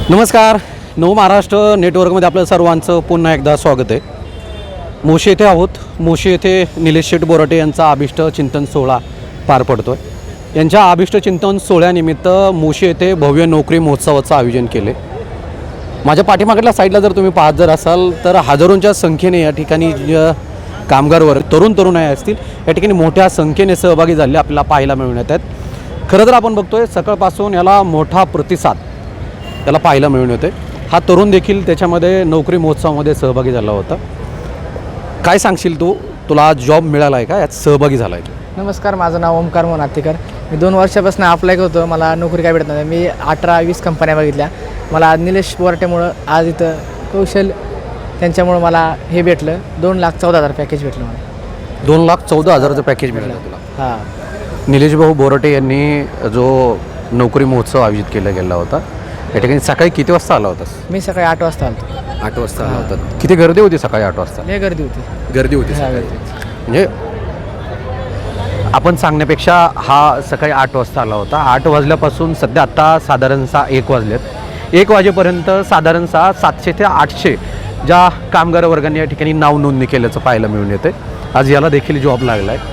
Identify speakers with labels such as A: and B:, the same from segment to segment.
A: नमस्कार. नव महाराष्ट्र नेटवर्कमध्ये आपलं सर्वांचं पुन्हा एकदा स्वागत आहे. मोशी येथे आहोत. मोशी येथे निलेश शेठ बोराटे यांचा अभिष्ट चिंतन सोहळा पार पडतो आहे. यांच्या अभिष्ट चिंतन सोहळ्यानिमित्त मोशी येथे भव्य नोकरी महोत्सवाचं आयोजन केले. माझ्या पाठीमागल्या साईडला जर तुम्ही पाहत जर असाल तर हजारोंच्या संख्येने या ठिकाणी कामगार वर्ग तरुणाई असतील या ठिकाणी मोठ्या संख्येने सहभागी झाले आपल्याला पाहायला मिळून येत आहेत. खरं तर आपण बघतोय सकाळपासून याला मोठा प्रतिसाद त्याला पाहायला मिळून येते. हा तरुण देखील त्याच्यामध्ये नोकरी महोत्सवामध्ये सहभागी झाला होता. काय सांगशील तुला जॉब मिळाला आहे का, यात सहभागी झाला आहे तू?
B: नमस्कार, माझं नाव ओमकार मोनातीकर. मी 2 वर्षापासून अप्लाय करतो. मला नोकरी काय भेटत नाही. मी 18-20 कंपन्या बघितल्या. मला निलेश बोराटेमुळं आज इथं कौशल त्यांच्यामुळं मला हे भेटलं. 2,14,000 पॅकेज भेटलं मला.
A: 2,14,000चं पॅकेज मिळालं तुला?
B: हां.
A: निलेश भाऊ बोराटे यांनी जो नोकरी महोत्सव आयोजित केला गेला होता या ठिकाणी सकाळी किती वाजता आला होतास?
B: मी सकाळी 8 वाजता आलो.
A: 8 वाजता आला होता. किती गर्दी होती सकाळी 8 वाजता?
B: लय गर्दी होती.
A: गर्दी होती
B: हां,
A: सकाळी.
B: गर्दी.
A: म्हणजे आपण सांगण्यापेक्षा हा सकाळी 8 वाजता आला होता. 8 वाजल्यापासून सध्या आत्ता साधारणतः 1 वाजलेत. 1 वाजेपर्यंत साधारणतः 700 ते 800 ज्या कामगार वर्गांनी या ठिकाणी नाव नोंदणी केल्याचं पाहायला मिळून येते. आज याला देखील जॉब लागला आहे.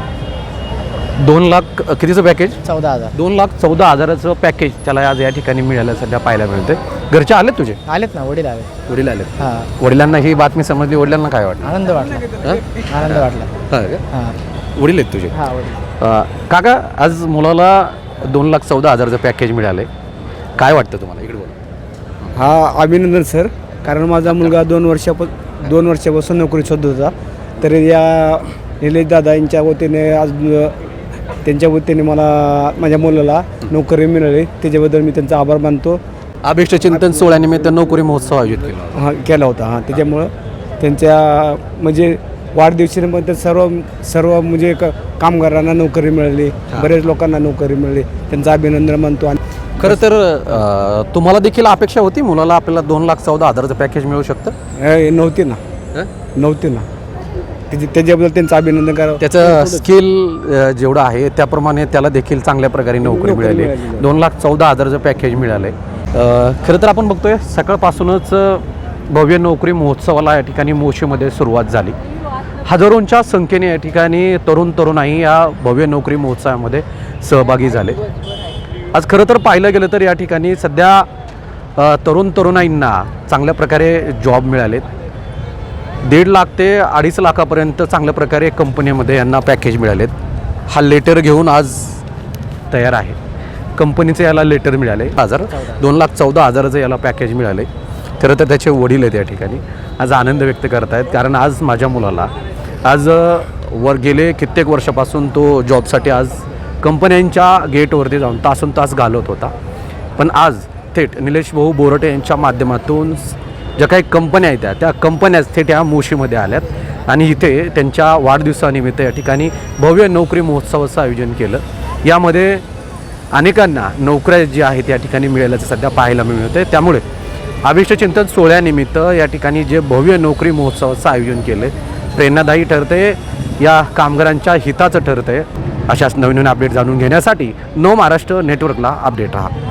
A: 2 लाख कितीचं पॅकेज?
B: 14,000.
A: 2,14,000चं पॅकेज त्याला आज या ठिकाणी मिळालं सध्या पाहायला मिळते. घरचे आलेत तुझे?
B: आलेत ना, वडील आले.
A: वडील आलेत.
B: हां.
A: वडिलांना ही बातमी समजली. वडिलांना काय वाटलं?
B: आनंद वाटला. आनंद वाटला.
A: हां,
B: हां.
A: वडील आहेत तुझे?
B: हां, वडील.
A: काका, आज मुलाला 2,14,000चं पॅकेज मिळाले. काय वाटतं तुम्हाला? इकडे बोला.
C: हा, अभिनंदन सर. कारण माझा मुलगा 2 वर्षापासून नोकरी शोधत होता. तर या निलेश दादा यांच्या वतीने आज त्यांच्या वतीने मला माझ्या मुलाला नोकरी मिळाली. त्याच्याबद्दल मी त्यांचा आभार मानतो.
A: अभिष्ट चिंतन सोहळ्यानिमित्त नोकरी महोत्सव आयोजित केला
C: केला होता. हां, त्याच्यामुळं त्यांच्या म्हणजे वाढदिवशीनंतर सर्व म्हणजे कामगारांना नोकरी मिळाली. बरेच लोकांना नोकरी मिळाली. त्यांचं अभिनंदन मानतो. आणि
A: खरं तर तुम्हाला देखील अपेक्षा होती मुलाला आपल्याला 2,14,000चं पॅकेज मिळू शकतं?
C: नव्हती ना. त्याच्याबद्दल त्यांचं अभिनंदन करावं.
A: त्याचं स्किल जेवढं आहे त्याप्रमाणे त्याला देखील चांगल्या प्रकारे नोकरी मिळाली. 2,14,000चं पॅकेज मिळालं आहे. खरं तर आपण बघतोय सकाळपासूनच भव्य नोकरी महोत्सवाला या ठिकाणी मोशीमध्ये सुरुवात झाली. हजारोंच्या संख्येने या ठिकाणी तरुणाई या भव्य नोकरी महोत्सवामध्ये सहभागी झाले. आज खरं तर पाहिलं गेलं तर या ठिकाणी सध्या तरुणाईंना चांगल्या प्रकारे जॉब मिळालेत. 1.5 लाख ते 2.5 लाखापर्यंत चांगल्या प्रकारे कंपनीमध्ये यांना पॅकेज मिळालेत. हा लेटर घेऊन आज तयार आहे. कंपनीचं याला लेटर मिळाले 2,14,000चं याला पॅकेज मिळाले. खरं तर त्याचे वडील आहेत या ठिकाणी आज आनंद व्यक्त करत आहेत. कारण आज माझ्या मुलाला आज गेले कित्येक वर्षापासून तो जॉबसाठी आज कंपन्यांच्या गेटवरती जाऊन तासंतास घालवत होता. पण आज थेट निलेश भाऊ बोराटे यांच्या माध्यमातून ज्या काही कंपन्या आहेत त्या कंपन्याच थेट या मोशीमध्ये आल्यात आणि इथे त्यांच्या वाढदिवसानिमित्त या ठिकाणी भव्य नोकरी महोत्सवाचं आयोजन केलं. यामध्ये अनेकांना नोकऱ्या जी आहेत या ठिकाणी मिळाल्याचं सध्या पाहायला मिळत होते. त्यामुळे अभिष्ट चिंतन सोहळ्यानिमित्त या ठिकाणी जे भव्य नोकरी महोत्सवाचं आयोजन केलं प्रेरणादायी ठरते, या कामगारांच्या हिताचं ठरतंय. अशाच नवीन अपडेट जाणून घेण्यासाठी नव महाराष्ट्र नेटवर्कला अपडेट राहा.